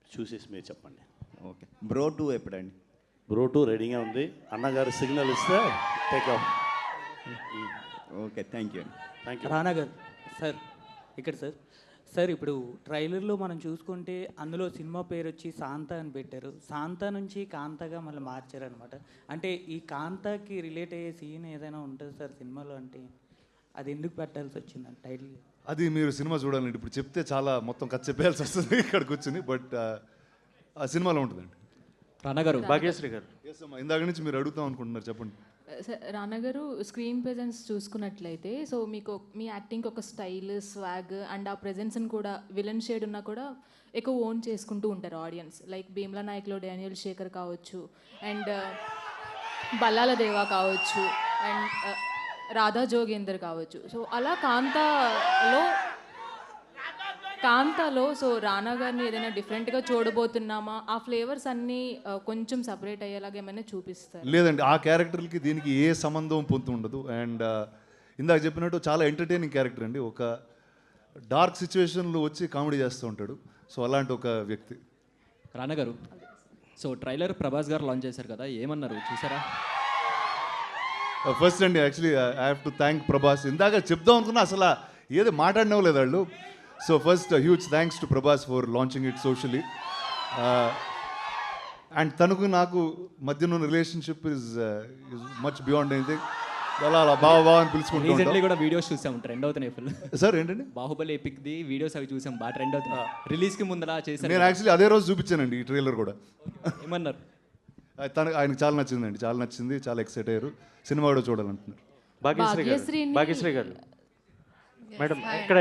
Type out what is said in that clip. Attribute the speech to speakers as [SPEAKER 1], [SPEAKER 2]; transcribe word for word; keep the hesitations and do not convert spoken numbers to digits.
[SPEAKER 1] చూసేసి మీరు చెప్పండి.
[SPEAKER 2] ఓకే, బ్రో టూ ఎప్పుడండి?
[SPEAKER 1] బ్రో టూ రెడీగా ఉంది, అన్నగారు సిగ్నల్ ఇస్తే take off.
[SPEAKER 2] Okay, thank you అండి.
[SPEAKER 1] Thank you.
[SPEAKER 3] రానా గారు సార్, ఇక్కడ సార్ సార్ ఇప్పుడు ట్రైలర్లో మనం చూసుకుంటే అందులో సినిమా పేరు వచ్చి శాంత అని పెట్టారు. శాంత నుంచి కాంతగా మళ్ళీ మార్చారనమాట. అంటే ఈ కాంతకి రిలేట్ అయ్యే సీన్ ఏదైనా ఉంటుంది సార్ సినిమాలో, అంటే అది ఎందుకు పెట్టాల్సి వచ్చిందండి టైటిల్?
[SPEAKER 4] అది మీరు సినిమా చూడాలండి. ఇప్పుడు చెప్తే చాలా మొత్తం కథ చెప్పేయాల్సి వస్తుంది ఇక్కడ కూర్చుని, బట్ ఆ సినిమాలో ఉంటుందండి.
[SPEAKER 5] రానా గారు,
[SPEAKER 1] భాగ్యశ్రీ గారు.
[SPEAKER 4] ఎస్ అమ్మా, ఇందాక నుంచి మీరు అడుగుతాం అనుకుంటున్నారు, చెప్పండి.
[SPEAKER 6] రానా గారు, స్క్రీన్ ప్రెజెన్స్ చూసుకున్నట్లయితే సో మీకు మీ యాక్టింగ్ ఒక స్టైల్, స్వాగ్ అండ్ ఆ ప్రెజెన్స్ని కూడా విలన్ షేడ్ ఉన్నా కూడా ఎక్కువ ఓన్ చేసుకుంటూ ఉంటారు ఆడియన్స్. లైక్ భీమ్లా నాయక్లో డానియల్ శేఖర్ కావచ్చు, అండ్ బల్లాల దేవా కావచ్చు, అండ్ రాధా జోగేందర్ కావచ్చు. సో అలా కాంతాలో కాంతాలో సో రానా గారిని ఏదైనా డిఫరెంట్గా చూడబోతున్నామా, ఆ ఫ్లేవర్స్ అన్నీ కొంచెం సపరేట్ అయ్యేలాగా ఏమైనా చూపిస్తారు?
[SPEAKER 4] లేదండి, ఆ క్యారెక్టర్కి దీనికి ఏ సంబంధం పొంతు ఉండదు. అండ్ ఇందాక చెప్పినట్టు చాలా ఎంటర్టైనింగ్ క్యారెక్టర్ అండి. ఒక డార్క్ సిచ్యువేషన్లో వచ్చి కామెడీ చేస్తూ ఉంటాడు. సో అలాంటి ఒక వ్యక్తి.
[SPEAKER 5] రానా గారు, సో ట్రైలర్ ప్రభాస్ గారు లాంచ్ చేశారు కదా, ఏమన్నారు చూసారా?
[SPEAKER 4] ఫస్ట్ అండి, actually I have to thank Prabhas. ఇందాక చెప్దాం అనుకున్నా, అసలు ఏది మాట్లాడినవ్వలేదు వాళ్ళు. So first huge thanks to Prabhas for launching it socially. And తనకు నాకు మధ్యన ఉన్న relationship is is much beyond anything. అలా అలా బావ బావ అని పిలుచుకుంటూ
[SPEAKER 5] రీసెంట్లీ కూడా వీడియోస్ చూసాం, ట్రెండ్ అవుతున్నాయి ఫుల్.
[SPEAKER 4] సార్ ఏంటండి?
[SPEAKER 5] బాహుబలి ఎపిక్ ది వీడియోస్ అవి చూసాం, బాగా ట్రెండ్ అవుతున్నాయి. రిలీజ్కి ముందర చేశారు.
[SPEAKER 4] నేను యాక్చువల్లీ అదే రోజు చూపించానండి ఈ ట్రైలర్ కూడా.
[SPEAKER 5] ఏమన్నారు?
[SPEAKER 4] తనకు ఆయనకు చాలా నచ్చిందండి, చాలా నచ్చింది, చాలా ఎక్సైట్ అయ్యారు. సినిమా కూడా చూడాలంటున్నారు.
[SPEAKER 1] భాగ్యశ్రీ గారు.
[SPEAKER 6] భాగ్యశ్రీని-
[SPEAKER 1] భాగ్యశ్రీ గారు మేడం, ఎక్కడ